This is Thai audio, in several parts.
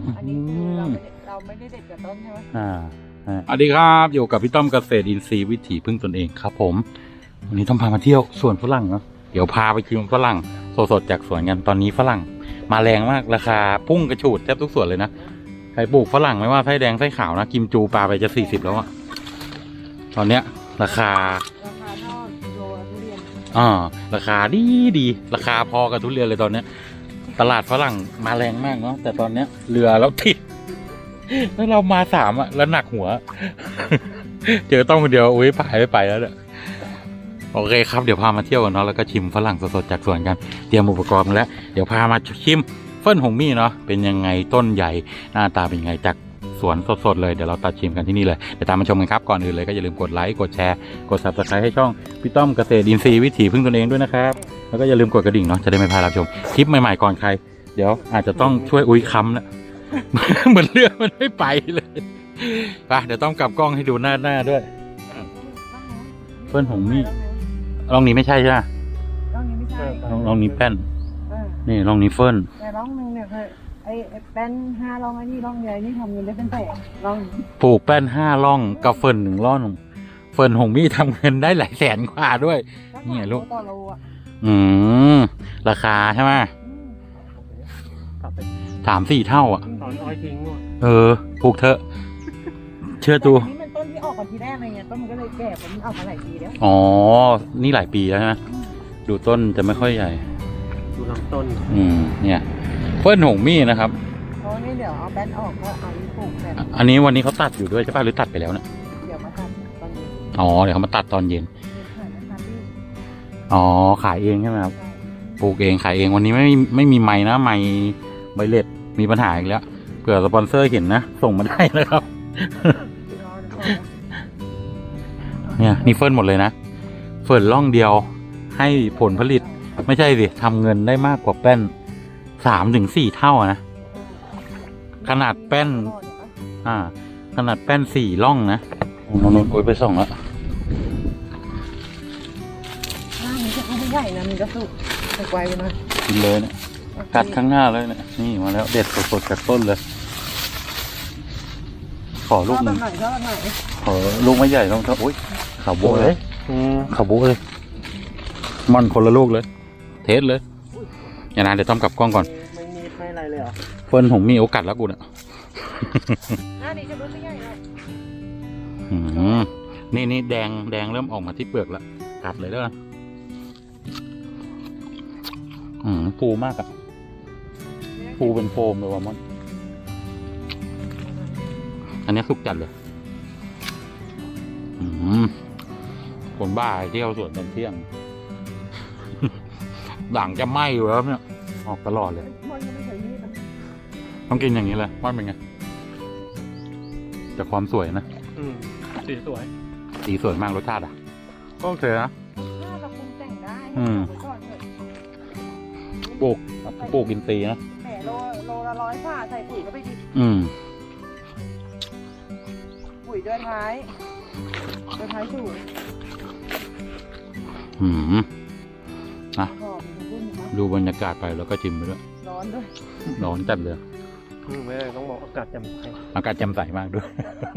อันนี้คือเราไม่ได้เด็ดกับต้นใช่ไหมสวัสดีครับอยู่กับพี่ต้อมเกษตรอินทรีย์วิถีพึ่งตนเองครับผมวันนี้ต้องพามาเที่ยวสวนฝรั่งเนาะเดี๋ยวพาไปชิมฝรั่งสดๆจากสวนกันตอนนี้ฝรั่งมาแรงมากราคาพุ่งกระฉูดแทบทุกสวนเลยนะใครปลูกฝรั่งไม่ว่าไส้แดงไส้ขาวนะกิมจูปลาไปจะ40แล้วอะตอนเนี้ยราคาเท่าโลทุเรียนราคาดีราคาพอกับทุเรียนเลยตอนเนี้ยตลาดฝรั่งมาแรงมากเนาะแต่ตอนเนี้ยเรือเราติดแล้วเรามา3อ่ะแล้วหนักหัว เจอต้องคนเดียวอุ้ยพายไม่ไปแล้วเนี่ยโอเคครับเดี๋ยวพามาเที่ยวกันเนาะแล้วก็ชิมฝรั่งสดๆจากสวนกันเตรียมอุปกรณ์มาแล้วเดี๋ยวพามาชิมเฟิ่นหงมี่เนาะเป็นยังไงต้นใหญ่หน้าตาเป็นยังไงจากสวนสดๆเลยเดี๋ยวเราตัดชิมกันที่นี่เลยเดี๋ยวตามมาชมกันครับก่อนอื่นเลยก็อย่าลืมกดไลค์กดแชร์กด Subscribe ให้ช่องพี่ต้อมเกษตรอินทรีย์วิถีพึ่งตนเองด้วยนะครับแล้วก็อย่าลืมกดกระดิ่งเนาะจะได้ไม่พลาดรับชมคลิปใหม่ๆก่อนใครเดี๋ยวอาจจะต้องช่วยอุ้ยค้ำนะ เหมือนเรือมันไม่ไปเลยไปเดี๋ยวต้องกลับกล้องให้ดูหน้าด้วยเฟิ่นหงมี่ลองนี้ไม่ใช่ใช่ไหมร่องนี้ไม่ใช่ลองนี้แป้นนี่ลองนี้เฟิ่นแต่ร่องนึงเนี่ยคือไอ้แป้น5ร่องไอ้นี่ร่องใหญ่นี่ทำเงินได้เป็นแสนร่องปลูกแป้น5ร่องกับเฟิ่น1ร่องเฟิ่นหงมี่ทำเงินได้หลายแสนกว่าด้วยนี่ลูกราคาใช่ไหม3-4 เท่าอ่ะปลูกเถอะเชื่อตัวนี่มันต้นที่ออกก่อนทีแรกอะไรเงี้ยต้นมันก็เลยแก่ผมเอามาหลายปีแล้วอ๋อนี่หลายปีแล้วใช่ไหมดูต้นจะไม่ค่อยใหญ่ดูลำต้นเนี่ยเฟิ่นหงมี่นะครับเพราะนี่เดี๋ยวเอาแป้นออกก็เอาปลูกแบบอันนี้วันนี้เขาตัดอยู่ด้วยใช่ป่ะหรือตัดไปแล้วเนี่ยเดี๋ยวมาตัดตอนเย็นเดี๋ยวเขามาตัดตอนเย็นขายเองใช่ไหมครับปลูกเองขายเองวันนี้ไม่มีไม้นะไม้ใบเล็ดมีปัญหาอีกแล้วเผื่อสปอนเซอร์เห็นนะส่งมาได้นะครับเนี่ยนี่เฟิร์นหมดเลยนะเฟิร์นร่องเดียวให้ผลผลิตไม่ใช่สิทำเงินได้มากกว่าแป้น3-4 เท่านะขนาดแป้นขนาดแป้น4 ร่องนะนนโอ้ยไปส่องแล้วนี่จะไม่ใหญ่นะมันก็สุกไกลไปหน่อยกินเลยเนี่ยกัดข้างหน้าเลยเนี่ยนี่มาแล้วเด็ดสดๆจากต้นเลยขอลูกหนึ่งขอลูกไม่ใหญ่ต้องโอ้ยขาวโบ้เลยขาวโบ้เลยมันคนละลูกเลยเทสเลยอย่างนั้นเดี๋ยวต้องกลับกล้องก่อนไม่อะไรเลยเหรอเฟิร์นผมมีโอกาสแล้วกูเนี่ยนี่จะรู้ไม่ใหญ่แล้วนี่แดงเริ่มออกมาที่เปลือกแล้วกัดเลยด้วยฟูมากอะฟูเป็นโฟมเลยว่ะมันอันนี้สุกจัดเลยคนบ้าเที่ยวสวนตอนเที่ยงด่างจะไหม้อยู่แล้วเนี่ยออกตลอดเลยต้องกินอย่างนี้เลยว่าเป็นไงแต่ความสวยนะสีสวยมากรสชาติอ่ะก็โอเคนะเราคงแต่งได้ปลูกอินทรีย์นะแหมโลละ100 บาทใส่ปุ๋ยก็ไปดิปุ๋ยเดินท้ายสูงนะดูบรรยากาศไปแล้วก็ชิมไปด้วยร้อนด้วยร้อนจัดเลยไม่ต้องบอกอากาศแจ่มใสมากด้วย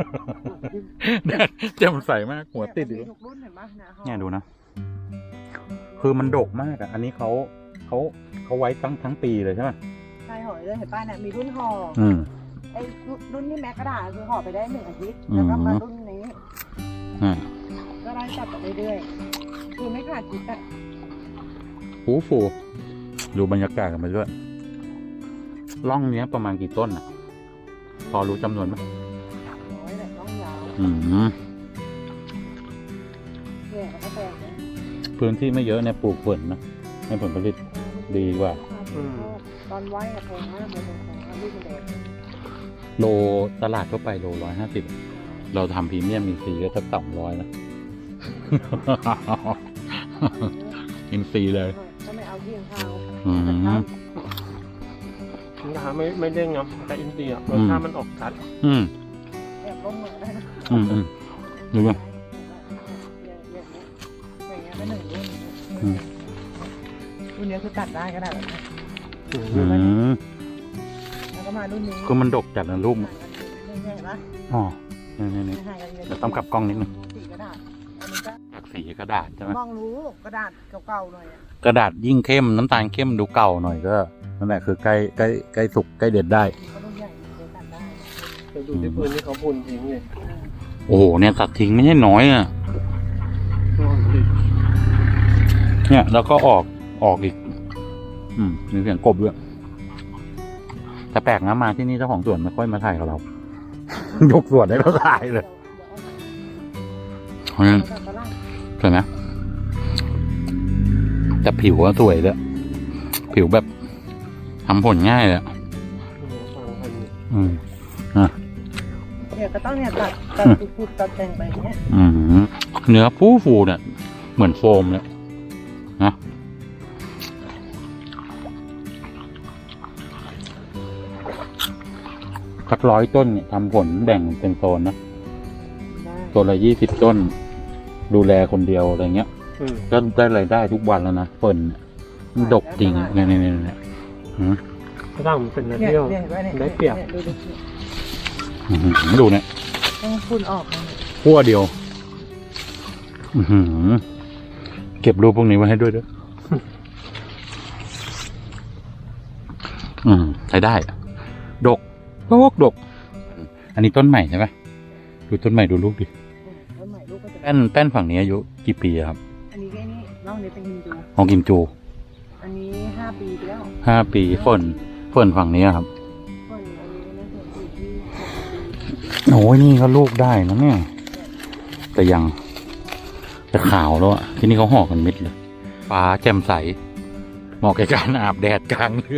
แจ่มใสมากหัวติดอยู่เนี่ยดูนะคือมันดกมากอ่ะอันนี้เขาไว้ทั้งปีเลยใช่ไหมใช่ห่อเลยเห็นป้าเนี่ยมีรุ่นห่อไอ้รุ่นที่แม็กกระดาษคือห่อไปได้1 อาทิตย์แล้วก็มารุ่นนี้ก็ได้จับไปเรื่อยๆคือไม่ขาดจิตอ่ะฟูดูบรรยากาศกันไปด้วยร่องเนี้ยประมาณกี่ต้นอ่ะพอรู้จำนวนไหม 100แต่ร่องยาวเนี่ยก็แปลกพื้นที่ไม่เยอะเนี่ยปลูกฝนนะให้ผลผลิตดีกว่าตอนไว้แพงมากเลยโลตลาดทั่วไปโล150เราทำพรีเมียมอินทรีย์ก็สัก200นะอินทรีย์เลยก็ไม่เอาเที่ยงข้าวราไม่เด้งครับแต่อินทรีย์รสชาติมันออกชัดแอบลงเหมือนได้นะดูยังอย่างเงี้ยเป็นรุ่นนี้คือตัดได้ก็ได้แบบนี้แล้วก็มารุ่นนี้คือมันดกจัดนะลูกเห็นปะอ๋อนี่ห่างกันเยอะเดี๋ยวต้องกลับกล้องนิดนึงสีกระดาษอันนี้ก็จากสีกระดาษใช่ไหมมองรู้กระดาษเก่าๆหน่อยอะกระดาษยิ่งเข้มน้ำตาลเข้มดูเก่าหน่อยก็นั่นแหละคือใกล้สุกใกล้เด็ดได้ก็รุ่นใหญ่เคยตัดได้ไปดูที่พื้นที่เขาพูนทิ้งเลยโอ้โหเนี่ยตัดทิ้งไม่ใช่น้อยอ่ะเนี่ยแล้วก็ออกอีก มีเสียงกบด้วยแต่แปลกนะมาที่นี่เจ้าของสวนไม่ค่อยมาถ่ายกับเรา ยกสวนให้เราถ่ายเลยเพราะฉะนั้นตัดฝรั่งสวยไหมแต่ผิวก็สวยเลยผิวแบบทำผลง่ายเลยฟังพันเนี่ยก็ต้องเนี่ยตัดปุดๆตัดแต่งไปเนี่ยเนื้อฟูเนี่ยเหมือนโฟมเลยนะสัก100 ต้นเนี่ยทำผลแบ่งเป็นโซนนะได้ตัวละ20 ต้น ดูแลคนเดียวอะไรเงี้ย ก็ได้รายได้ทุกวันแล้วนะเฟิร์นเนี่ยมันดกจริงเนี่ยฝรั่งมันเป็นนักเนี่ยเที่ยวเนี่ยเห็นปะเนี่ยได้เปรียบนี่ดูดูเนี่ยต้องพุ่นออกนะขั้วเดียวเก็บรูปพวกนี้ไว้ให้ด้วยเด้อใช้ได้ดก อันนี้ต้นใหม่ใช่ไหมดูต้นใหม่ดูลูกดิต้นใหม่ลูกก็จะแป้นฝั่งนี้อายุกี่ปีครับอันนี้ก็นี่น้องนี้เป็นฮินดูของกิมจูอันนี้5 ปีไปแล้ว 5 ปีเฟิร์นฝั่งนี้ครับคนอันนี้น่าจะอยู่ที่6 ปีโอ้ยนี่ก็ลูกได้นะเนี่ยแต่ขาวแล้วอะที่นี่เขาห่อกันมิดเลยฟ้าแจ่มใสเหมาะแก่การอาบแดดกลางเรือ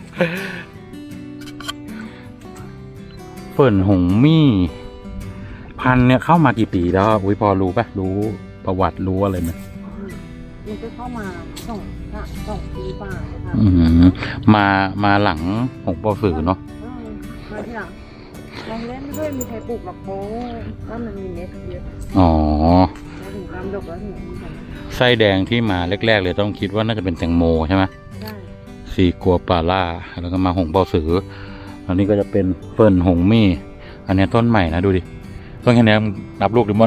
เฟิร์นหงมี่พันธุ์เนี่ยเข้ามากี่ปีแล้วอุ้ยพอรู้ปะรู้ประวัติรู้อะไรไหมมันก็เข้ามา2 ปีป่าเลยค่ะมาหลังหงปอสือเนาะมาที่หลังลองเล่นด้วยมีใครปลูกหรอกโป้ว่ามันมีเม็ดเยอะอ๋อแล้วถึงตามดกแล้วถึงมีกันไส้แดงที่มาแรกๆเลยต้องคิดว่าน่าจะเป็นแตงโมใช่ไหมได้ซีกัวปาล่าแล้วก็มาหงเปาสืออันนี้ก็จะเป็นเฟิร์นหงมี่อันนี้ต้นใหม่นะดูดิต้นแค่นี้นับลูกดิมอน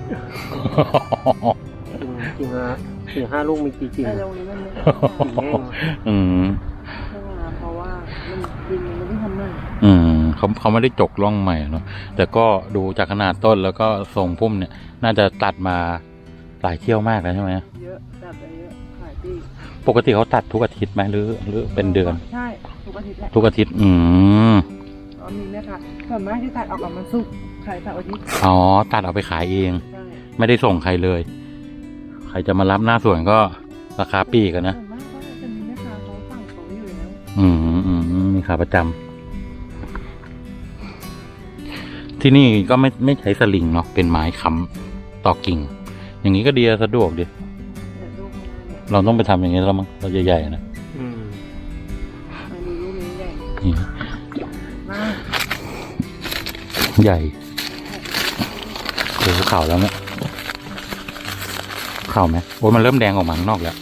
กิ่งละ4-5 ลูกมีกี่กิ่งแต่ตรงนี้มันไม่กิ่งแห้งเพราะว่ามันดินมันไม่ได้ทำใหม่เขาไม่ได้จกร่องใหม่เนาะแต่ก็ดูจากขนาดต้นแล้วก็ทรงพุ่มเนี่ย น่าจะตัดมาหลายเที่ยวมากแล้วใช่ไหมเยอะตัดไปเยอะหลายปีปกติเขาตัดทุกอาทิตย์ไหมหรือเป็นเดือนใช่ทุกอาทิตย์แหละทุกอาทิตย์อ๋อมีไหมคะส่วนมากที่ตัดออกกับมันสุกร์ขายเสาร์อาทิตย์อ๋อตัดเอาไปขายเองใช่ไม่ได้ส่งใครเลย ใครจะมารับหน้าสวนก็ราคาปีกันนะส่วนมากก็จะมีแม่ค้าเขาสั่งเขาอยู่แล้วมีขาประจำที่นี่ก็ไม่ใช้สลิงเนาะเป็นไม้ค้ำต่อกิ่ง อย่างนี้ก็ดีสะดวกดีเดี๋ยวลูกมันเนี่ยเราต้องไปทำอย่างนี้แล้วมั้งเราใหญ่ๆนะอันนี้ลูกนี้ใหญ่นี่มากใหญ่โอ้โหข่าวแล้วเนี่ยข่าวไหมโอ้ยมันเริ่มแดงออกมาข้างนอกแล้ว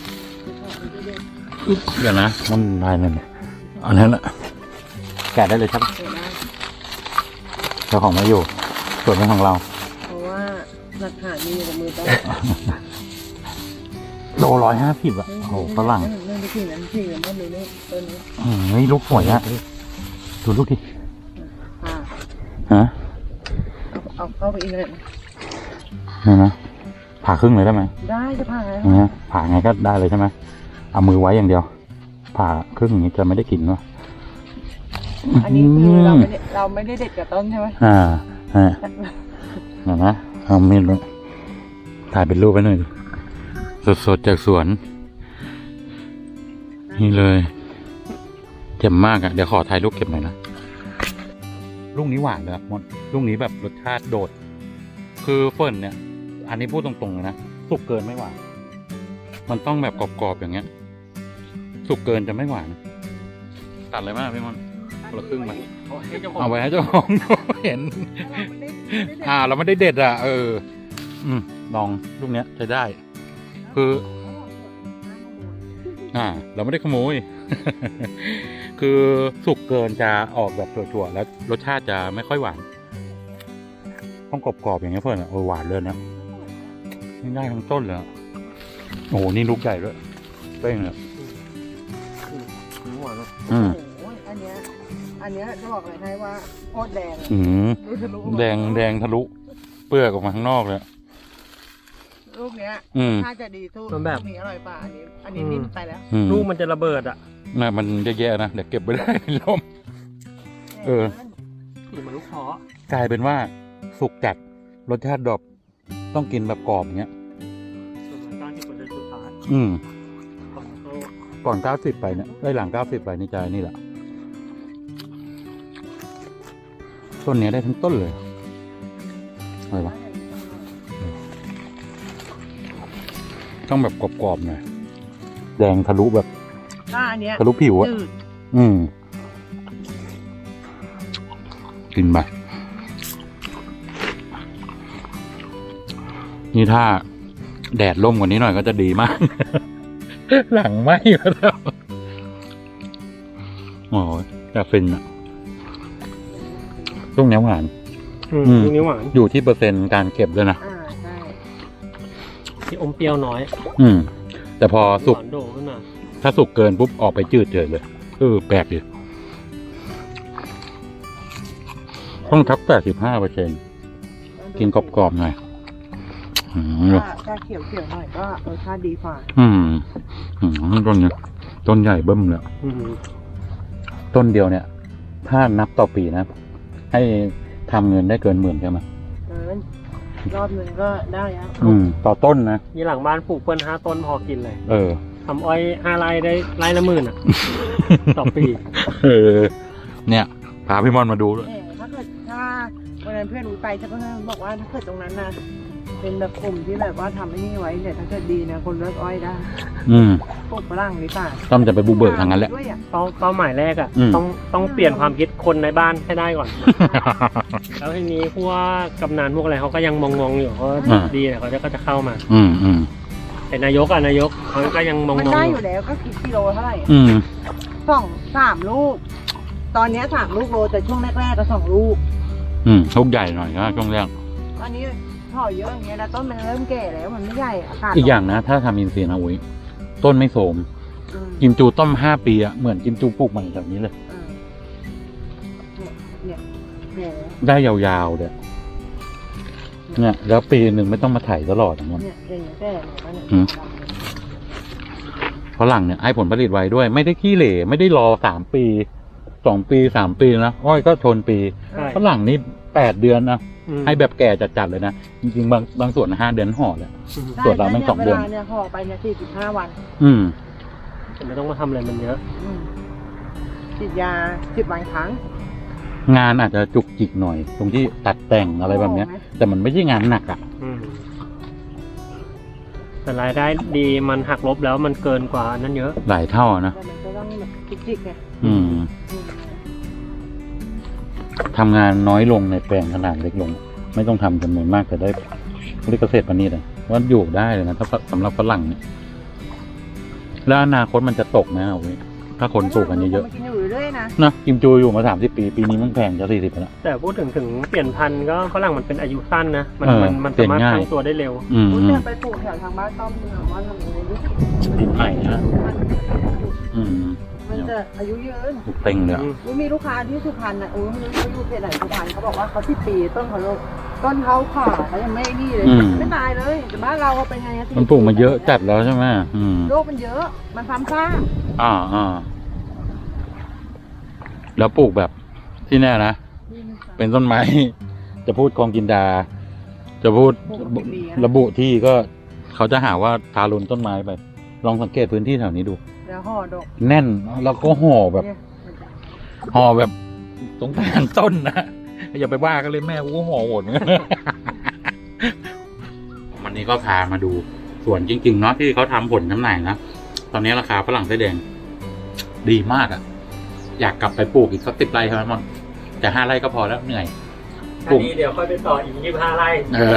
เดี๋ยวนะมันลายนั่นอันนั้นแหละแกะได้เลยครับเดี๋ยวนะเจ้าของไม่อยู่ส่วนเป็นของเราเพราะว่าหลักฐานมีอยู่กับมือต้องโล150อ่ะโอ้โหฝรั่งนั่นไปถึงนั้นถึงนั้นเลยเนี่ยต้นนี้นี่ลูกสวยอ่ะดูลูกดิอ่าฮะเอาเข้าไปอีกเลยนี่นะผ่าครึ่งเลยได้ไหมได้จะผ่าไงนะผ่าไงก็ได้เลยใช่ไหมเอามือไว้อย่างเดียว ผ่าครึ่งอย่างนี้จะไม่ได้กลิ่นวะอันนี้คือเราไม่ได้เด็ดกับต้นใช่ไหมเดี๋ยวนะเอามีดเลยถ่ายเป็นรูปไว้หน่อยดิสดๆจากสวน นี่เลยเจ็บมากอ่ะเดี๋ยวขอถ่ายรูปเก็บหน่อยนะลูกนี้หวานเลยมดลูกนี้แบบรสชาติโดด คือเฟิร์นเนี่ย อันนี้พูดตรงๆเลยนะสุกเกินไม่หวาน มันต้องแบบกรอบๆอย่างเงี้ย สุกเกินจะไม่หวาน ตัดเลยมากพี่มอนคนละครึ่งมาเอาไว้ให้เจ้าของเห็น เราไม่ได้เด็ดอ่ะลองลูกเนี้ยใช้ได้ คือ เราไม่ได้ขโมยคือสุกเกินจะออกแบบถั่วๆแล้วรสชาติจะไม่ค่อยหวานต้องกรอบๆอย่างเงี้ยเพื่อนหวานเลยนะนี่ได้ทั้งต้นเลยโอ้โหนี่ลูกใหญ่ด้วยเป้งเลยหวานเนอะโอ้โหอันเนี้ยจะบอกเลยให้ว่าโคตรแดงอะดูทะลุออกมาแดงทะลุเปลือกออกมาข้างนอกเลยลูกเนี้ย ถ้าจะดีสู้ลูกนี้อร่อยป่ะอันนี้นิ่มไปแล้วลูกมันจะระเบิดอ่ะน่ะมันแย่ๆนะเดี๋ยวเก็บไว้ได้ลมหรือมันลูกท้อกลายเป็นว่าสุกจัดรสชาติดรอปต้องกินแบบกรอบอย่างเงี้ยส่วนมัน90%สุดท้าย ก่อนโตก่อน90ไปเนี่ยได้หลัง90ไปนี่ใจนี่แหละต้นเนี้ยได้ทั้งต้นเลยอะไรวะต้องแบบกรอบๆหน่อยแดงทะลุแบบถ้าอันเนี้ยทะลุผิวอะจืดกินไปนี่ถ้าแดดร่มกว่านี้หน่อยก็จะดีมาก หลังไหม้แล้วโอ้ยจะฟินอ่ะช่วงนี้หวานลูกนี้หวานอยู่ที่เปอร์เซ็นต์การเก็บด้วยนะใช่ที่อมเปรี้ยวน้อยแต่พอสุกหวานโดขึ้นมาถ้าสุกเกินปุ๊บออกไปจืดเฉยเลยแปลกดิต้องทับ85%กินกรอบๆหน่อยถ้าเขียวหน่อยก็รสชาติดีกว่าต้นนี้ต้นใหญ่เบิ้มเลยต้นเดียวเนี่ย ถ้านับต่อปีนะ ให้ทำเงินได้เกิน10,000ใช่ไหมเกินรอบหนึ่งก็ได้แล้วต่อต้นนะยี่หลังบ้านปลูกเปิ้ล5 ต้นพอกินเลยททำอ้อย5 ไร่ได้ไร่ละ10,000อ่ะ ต่อปีเนี่ยพาพี่มอนมาดูด้วยถ้าวันนั้นเพื่อนรู้ไปเพื่อนบอกว่าถ้าเกิดตรงนั้นนะเป็นแบบกลุ่มที่แบบว่าทำไอ้นี่ไว้เนี่ยถ้าเกิดดีนะคนเลิกอ้อยได้ปลูกฝรั่งหรือเปล่าต้องจะไปบุกเบิกทางนั้นแหละเป้าหมายแรกอ่ะต้องเปลี่ยนความคิดคนในบ้านให้ได้ก่อน แล้วทีนี้พวกกำนันพวกอะไรเขาก็ยังมองอยู่เขาดีเนี่ยเขาก็จะเข้ามาแต่นายกเขาก็ยังมองมันได้อยู่แล้วก็คิดกิโลเท่าไหร่3 ลูก ตอนนี้3 ลูกโลแต่ช่วงแรกๆก็2 ลูกลูกใหญ่หน่อยนะช่วงแรกตอนนี้ห่อเยอะอย่างเงี้ยนะต้นมันเริ่มแก่แล้วมันไม่ใหญ่อากาศอีกอย่างนะถ้าทำอินทรีย์นะอุ้ยต้นไม่โทรมกิมจูต้ม5 ปีอะเหมือนกิมจูปลูกใหม่แบบนี้เลยได้ยาวๆเลยเนี่ยแล้วปีหนึ่งไม่ต้องมาถ่ายตลอดอย่างเงี้ยฝรั่งเนี่ยให้ผลผลิตไวด้วยไม่ได้ขี้เหร่ไม่ได้รอ3 ปี2 ปี3 ปีนะอ้อยก็ชนปีฝรั่งนี่8 เดือนนะให้แบบแก่จัดๆเลยนะจริงๆบางส่วน5 เดือนห่อเลยส่วนเราไม่2 เดือนเนี่ยห่อไปเนี่ย45 วันแต่ไม่ต้องมาทำอะไรมันเยอะฉีดยา10 วันครั้งงานอาจจะจุกจิกหน่อยตรงที่ตัดแต่งอะไรแบบนี้แต่มันไม่ใช่งานหนักอ่ะแต่รายได้ดีมันหักลบแล้วมันเกินกว่านั้นเยอะหลายเท่านะแต่มันก็ต้องแบบจิกๆไงทำงานน้อยลงในแปลงขนาดเล็กลงไม่ต้องทำจำนวนมากแต่ได้เรียกเกษตรปณีตเลยว่าอยู่ได้เลยนะถ้าสำหรับฝรั่งเนี่ยแล้วอนาคตมันจะตกไหมเอาไว้ถ้าคนปลูกกันเยอะๆนะกิมจูอยู่มา30 ปีปีนี้มันแพงจะ40 ไปแล้วแต่พูดถึงเปลี่ยนพันธุ์ก็ฝรั่งมันเป็นอายุสั้นนะมันสามารถตั้งตัวได้เร็วไปปลูกแถวทางบ้านต้อมเมืองว่าทำยังไงดิดินใหม่นะมันจะอายุยืนเต็งเลยมีลูกค้าที่สุพรรณนะไม่รู้เขาอยู่เขตไหนสุพรรณเขาบอกว่าเขา10 ปีต้นเขาขาเขายังไม่นี่เลยไม่ตายเลยแต่บ้านเราเป็นไงมันปลูกมาเยอะจัดแล้วใช่ไหมโรคมันเยอะมันซ้ำซากแล้วปลูกแบบที่แน่นะเป็นต้นไม้จะพูดกองกินดาจะพูดระบุที่ก็เขาจะหาว่าทารุณต้นไม้ไปลองสังเกตพื้นที่แถวนี้ดูแล้วห่อดอกแน่นแล้วก็ห่อแบบตรงกลางต้นนะอย่าไปว่ากันเลยแม่กูห่อหมดวันนี้ก็พามาดูสวนจริงๆเนาะที่เขาทำผลจำหน่ายนะตอนนี้ราคาฝรั่งไส้แดงดีมากอ่ะอยากกลับไปปลูกอีกสัก10 ไร่เท่านั้นมั้งแต่5 ไร่ก็พอแล้วเหนื่อยปลูกเดี๋ยวค่อยไปต่ออีก25 ไร่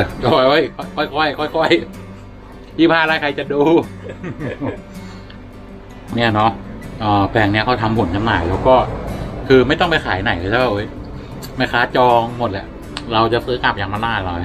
ค่อย25 ไร่ใครจะดูเนี่ยเนาะแปลงเนี้ยเขาทำผลจำหน่ายแล้วก็คือไม่ต้องไปขายไหนเลยใช่ป่ะเว้ยแม่ค้าจองหมดแหละ เราจะซื้อกลับอย่างมาหน้าเรา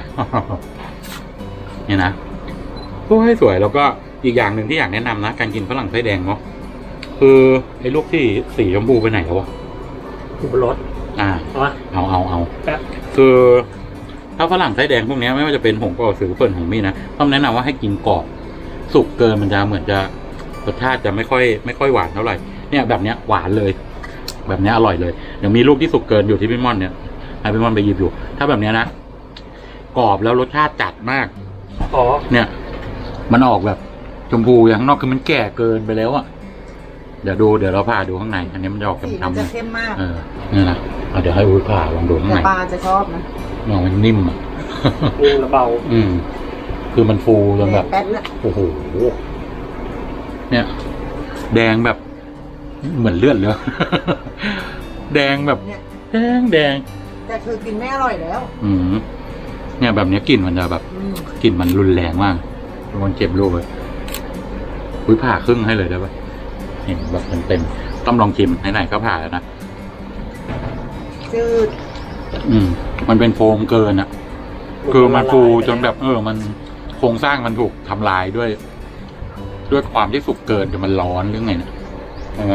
เนี่ยนะก็ให้สวยแล้วก็อีกอย่างหนึ่งที่อยากแนะนำนะการกินฝรั่งไส้แดงเนาะคือไอ้ลูกที่สีชมพูไปไหนแล้ววะอยู่บนรถเอาแป๊บคือถ้าฝรั่งไส้แดงพวกนี้ไม่ว่าจะเป็นหงกอสือเฟิร์นหงมี่นะต้องแนะนำว่าให้กินกรอบสุกเกินมันจะเหมือนจะรสชาติจะไม่ค่อยหวานเท่าไหร่เนี่ยแบบเนี้ยหวานเลย แบบเนี้ยอร่อยเลยเดี๋ยวมีลูกที่สุกเกินอยู่ที่พี่ม่อนเนี่ยให้พี่ม่อนไปหยิบอยู่ถ้าแบบเนี้ยนะกรอบแล้วรสชาติจัดมากอ๋อเนี่ยมันออกแบบชมพูอย่างข้างนอกคือมันแก่เกินไปแล้วอะเดี๋ยวเราผ่าดูข้างในอันนี้มันจะออกสีมันช้ำจะๆเข้มมากนี่นะเดี๋ยวให้อุ้ยผ่าลองดูข้างแต่ในปลาจะชอบนะมันนิ่มอ่ะนิ่มและเบาคือมันฟูจนแบบแป๊ดนะโอ้โห เนี่ย แดงแบบ เหมือนเลือดเลย แดงแบบเนี่ยแดงแต่คือกินไม่อร่อยแล้วเนี่ยแบบนี้กลิ่นมันจะแบบอืมกลิ่นมันรุนแรงมากมันเจ็บลูกเลยอุ้ยผ่าครึ่งให้เลยได้ปะเห็นแบบเต็มๆต้องลองชิมไหนๆก็ผ่าแล้วนะจืดมันเป็นโฟมเกินอ่ะ คือมันฟูจนแบบมันโครงสร้างมันถูกทำลายด้วยความที่สุกเกินจนมันร้อนหรือไงเนี่ยใช่ไหม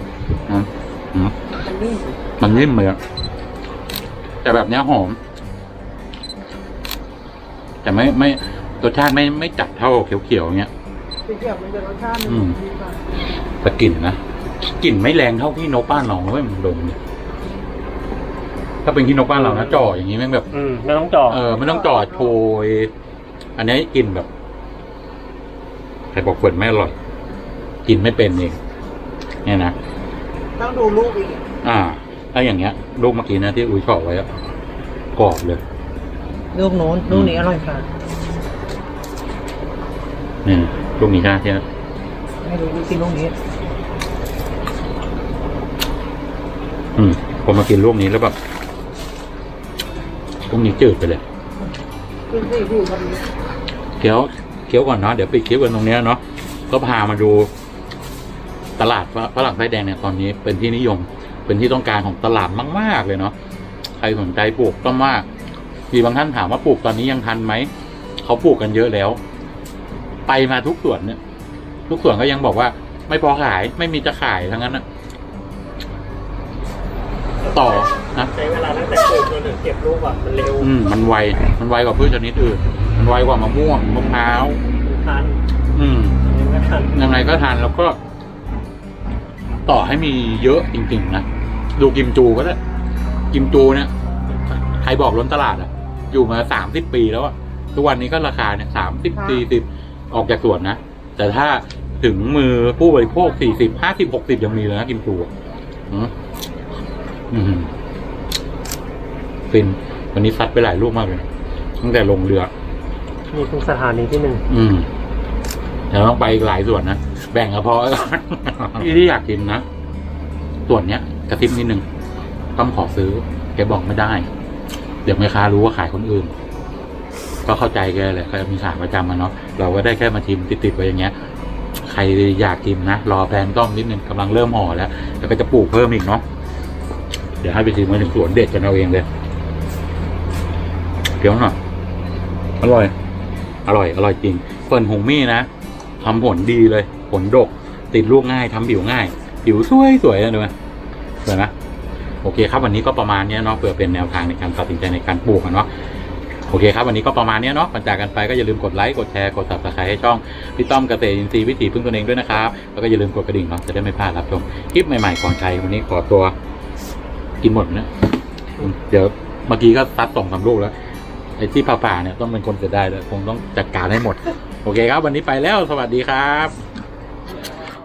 มันนิ่มมันนิ่มเลยอะแต่แบบเนี้ยหอม แต่ไม่รสชาติไม่จัดเท่าเขียวๆเงี้ยสีเขียวมันจะรสชาติอืมดีกว่าแต่กลิ่นนะกลิ่นไม่แรงเท่าที่นกบ้านเราเลยมันดมเนี่ยถ้าเป็นที่นกบ้านเรานะจ่ออย่างนี้แม่งแบบไม่ต้องจ่อไม่ต้องจ่อโชยอันนี้กลิ่นแบบใครบอกเฟิร์นไม่อร่อยกินไม่เป็นเองเนี่ยนะต้องดูลูกอีกถ้าอย่างเงี้ยลูกเมื่อกี้นะที่อุ้ยบอกไว้อะกรอบเลยลูกโน้นลูกนี้อร่อยค่ะนี่ลูกนี้ใช่ไหมที่ไม่รู้สิลูกนี้ผมมากินลูกนี้แล้วแบบลูกนี้จืดไปเลยกินสิพี่พอดีเคี้ยวก่อนเนาะเดี๋ยวปิดคลิปกันตรงเนี้ยเนาะก็พามาดูตลาดฝรั่งไส้แดงเนี่ยตอนนี้เป็นที่นิยม เป็นที่ต้องการของตลาดมากๆเลยเนาะใครสนใจปลูกต้องมากมีบางท่านถามว่าปลูกตอนนี้ยังทันไหมเขาปลูกกันเยอะแล้ว ไปมาทุกสวนเนี่ยทุกสวนก็ยังบอกว่า ไม่พอขายไม่มีจะขายทั้งนั้นนะต่อนะใช้เวลาตั้งแต่ปลูกจนถึงเก็บลูกอ่ะมันเร็วมันไวกว่าพืชชนิดอื่นมันไวกว่ามะม่วงมะพร้าวทันยังไงก็ทันแล้วก็ ต่อให้มีเยอะจริงๆนะดูกิมจูก็ได้กิมจูเนี่ยใครบอกล้นตลาดอ่ะ อยู่มา30 ปีแล้วอ่ะทุกวันนี้ก็ราคาเนี่ย30 40ออกจากสวนนะแต่ถ้าถึงมือผู้บริโภค40 50 60ยังมีเลยนะกิมจูฟินวันนี้ซัดไปหลายลูกมากเลยตั้งแต่ลงเรือมีทุกสถานีที่หนึ่งเดี๋ยวต้องไปอีกหลายส่วนนะแบ่งกระเพาะก่อน ที่อยากกินนะส่วนเนี้ยกระซิบนิดนึงต้องขอซื้อแกบอกไม่ได้เดี๋ยวแม่ค้ารู้ว่าขายคนอื่นก็เข้าใจแกเลยเขามีขายประจำมาเนาะเราก็ได้แค่มาชิมติดๆไว้อย่างเงี้ยใครอยากกินนะรอแพลนต้อมนิดนึงกำลังเริ่มห่อแล้วแล้วก็จะปลูกเพิ่มอีกเนาะเดี๋ยวให้ไปชิมมาถึงสวนเด็ดกันเอาเองเลยเดี๋ยวหน่อยอร่อยจริงเฟิร์นหงมี่นะทำผลดีเลยผลดกติดลูกง่ายทำผิวง่ายผิวสวยเลยดูไหมสวยไหมโอเคครับวันนี้ก็ประมาณนี้เนาะเพื่อเป็นแนวทางในการตัดสินใจในการปลูกเนาะโอเคครับวันนี้ก็ประมาณนี้เนาะก่อนจากกันไปก็อย่าลืมกดไลค์กดแชร์กด Subscribe ให้ช่องพี่ต้อมเกษตรอินทรีย์วิถีพึ่งตนเองด้วยนะครับแล้วก็อย่าลืมกดกระดิ่งเนาะจะได้ไม่พลาดรับชมคลิปใหม่ๆก่อนใครวันนี้ขอตัวกินหมดนะเดี๋ยวเมื่อกี้ก็ซัด2-3 ลูกแล้วไอ้ที่ผ่าๆเนี่ยต้องเป็นคนเสียดายเลยคงต้องจัดการให้หมดโอเคครับวันนี้ไปแล้วสวัสดีครับ